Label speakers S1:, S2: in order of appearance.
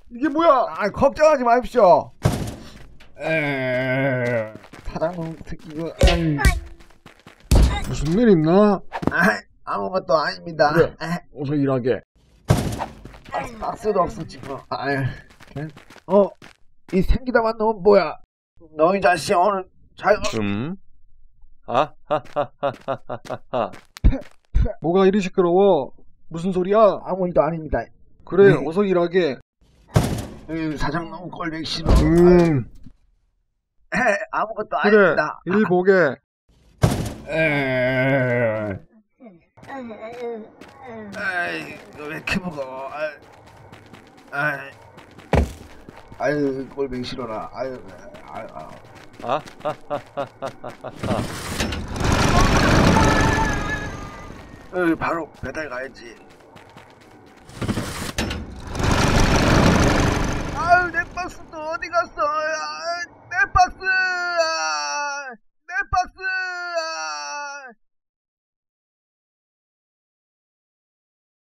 S1: 이게 뭐야?
S2: 아, 걱정하지 마십시오.
S1: 사장님 새끼가 무슨 일 있나?
S2: 아무것도 아닙니다.
S1: 그래, 어서 일하게.
S2: 박스도 없어 지금. 이 생기다만 놈은 뭐야? 너희 자식 오늘 잘.
S3: 하하하하하하.
S1: 뭐가 이리 시끄러워? 무슨 소리야?
S2: 아무 일도 아닙니다.
S1: 그래, 어서 일하게.
S2: 사장 너무 꼴보기 싫어. 아무것도
S1: 그래,
S2: 아닙니다.
S1: 일 보게.
S2: 이거 왜 이렇게 무거워? 아유, 꼴보기 싫어라. 아유. 바로 배달 가야지.